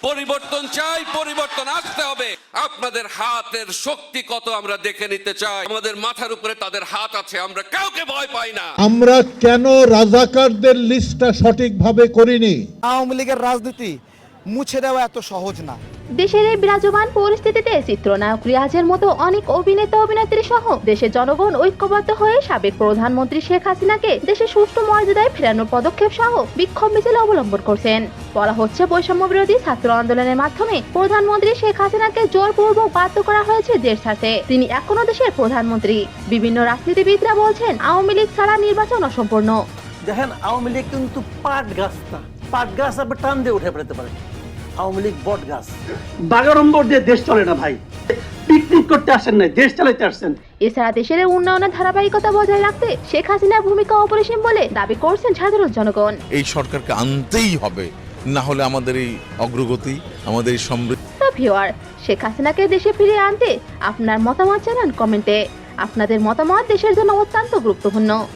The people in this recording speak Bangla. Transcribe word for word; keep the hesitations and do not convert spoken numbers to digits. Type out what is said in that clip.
পরিবর্তন চাই, পরিবর্তন আসতে হবে। আপনাদের হাতের শক্তি কত আমরা দেখে নিতে চাই। আমাদের মাথার উপরে তাদের হাত আছে, আমরা কাউকে ভয় পাই না। আমরা কেন রাজাকারদের লিস্টটা সঠিকভাবে করিনি? আওয়ামী লীগের রাজনীতি মুছে দেওয়া এত সহজ না। দেশের এই বিরাজমান পরিস্থিতিতে চিত্রনায়ক রিয়াজের মতো অনেক অভিনেতা অভিনেত্রী সহ দেশের জনগণ ঐক্যবদ্ধ হয়ে সাবেক প্রধানমন্ত্রী শেখ হাসিনাকে দেশে সুষ্ঠু মর্যাদায় ফেরানোর পদক্ষেপ সহ বিক্ষোভ মিছিল অবলম্বন করছেন। বলা হচ্ছে বৈষম্য বিরোধী ছাত্র আন্দোলনের মাধ্যমে প্রধানমন্ত্রী শেখ হাসিনাকে জোরপূর্বক বাধ্য করা হয়েছে দেশ ছাড়তে। তিনি এখনো দেশের প্রধানমন্ত্রী। বিভিন্ন রাজনীতিবিদরা বলছেন আওয়ামী লীগ ছাড়া নির্বাচন অসম্পূর্ণ। দেখেন, আওয়ামী লীগ কিন্তু পাট গাছ না, পাট গাছ আপনি টান দিয়ে উঠে ফেলতে পারেন। আওয়ামী লীগ বট গাছ। বাগাড়ম্বর দিয়ে দেশ চলে না ভাই, পিকনিক করতে আসেন না, দেশ চালাইতে আসছেন। এছাড়া দেশের উন্নয়নের ধারাবাহিকতা বজায় রাখতে শেখ হাসিনার ভূমিকা অপরিসীম বলে দাবি করছেন সাধারণ জনগণ। এই সরকারকে আনতেই হবে, না হলে আমাদের এই অগ্রগতি, আমাদের এই সমৃদ্ধি। ভিউয়ার, শেখ হাসিনাকে দেশে ফিরিয়ে আনতে আপনার মতামত জানান কমেন্টে। আপনাদের মতামত দেশের জন্য অত্যন্ত গুরুত্বপূর্ণ।